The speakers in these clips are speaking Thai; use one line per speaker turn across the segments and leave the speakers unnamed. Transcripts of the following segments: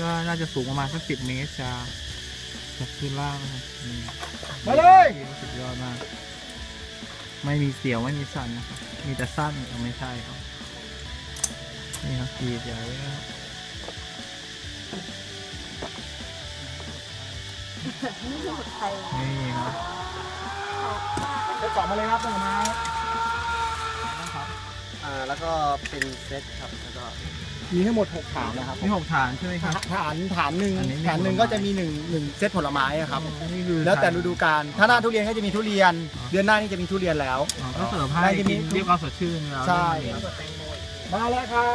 น่าจะสูงประมาณสัก10 เมตรจากพื้นล่างนะครับ
มาเลย
สุดยอดมากไม่มีเสียวไม่มีสั่นนะครับมีแต่สั้นไม่ใช่ครับนี่ครับกีดใหญ่นะครับนี่ครับ
เซต 2มาเลยครับต้นไม้
แล้วก็เป็นเซตครับแล้วก็
มีทั้งหมด6ฐานนะครับ
มี6 ฐานใช่ไหมครับ
ฐานหนึ่ง
อันนี้มี
ฐานหนึ่ง
ผลไม้
ก็จะมี1เซตผลไม้อะครับ
นี่คือ
แล้วแต่ฤดูกาลถ้าหน้าทุเรียนก็จะมีทุเรียน เดือนหน้านี่จะมีทุเรียนแล้ว
ก็เสิร์ฟให้
น่าจะมี
กินเรียกความสดชื่นแล้ว
ใช่มาแล้วครับ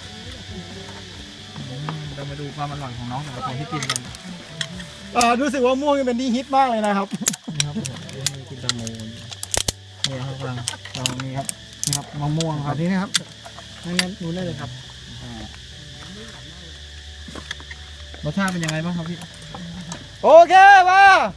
เรามาดูความอร่อยของน้องแต่ละคนที่กินกัน
รู้สึกว่าม่วงนี่เป็นที่ฮิตมากเลยนะครับ
นี่ครับกินแตงโมนี่ครับเรานี่ครับนี่ครับมะม่วงค
อั
รับ
นนี้นะครับนั่นนู้นได้เลยครับ
รสชาติเป็นยังไงบ้างครับพี่
โอเคมา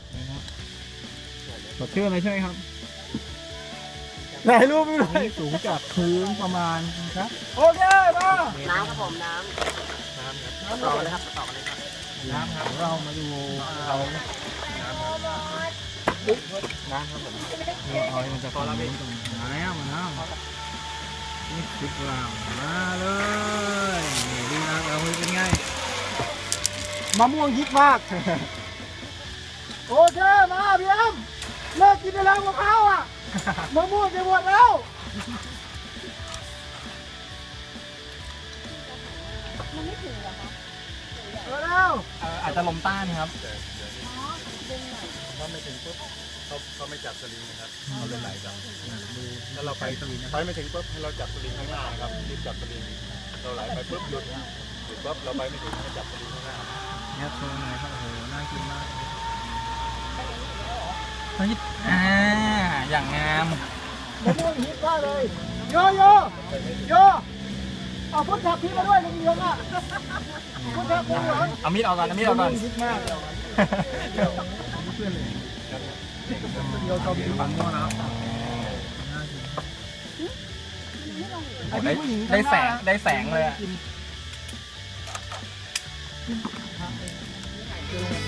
สดชื่นเลยใช่ไหมครับ
ถ่ายรูปไปเล
อัน
ย
นี้สูงจากพื้นประมาณครับ
โอเคมา
น้ำครับผมน้ำต่อเลยครับต่อเลยครับ
น้ำครับเรามาดูเราน้ำครับผมนี่เอามันจะพอละเป็นมาแล้วนี่คลิปเรามาเลยนี่ดีนะเราเป็นไง
มะม่วงฮิตมาก โอเคมาพี่อ้ำเลิกกินได้แล้วมะพร้าวอ่ะมะม่วงจะหมดแล้วมันไม่ถึงหรอคะแล้ว
อาจจะลมต้านครับ
ถ้าไม่ถึงปุ๊บเขาไม่จับสลิงนะครับเขาเลยไหลครับถ้าเราไปไม่ถึงปุ๊บให้เราจับสลิงข้างหน้านะครับรีบจับสลิงเราไหลไปปุ๊บหยุดปุ๊บเราไปไม่ถึงให้จับสลิงข้างหน้า
เนี่ยโชว์หน่อยครับโอ้โหน่ากินมากอย่างงาม
มะม่วงฮิตมากเลยโยโยโยเอาพุทธะพี่มาด้วยลุงยงอ่ะพุทธะพี่เหรอ
เอามีดออกก่อนเอามีดออกก่อน
ฮิตมาก
เดี๋ยวชอบกินมันม่วงนะครับ
ไอ้พี่ผู้หญิง
ได้แสงเลยอ่ะ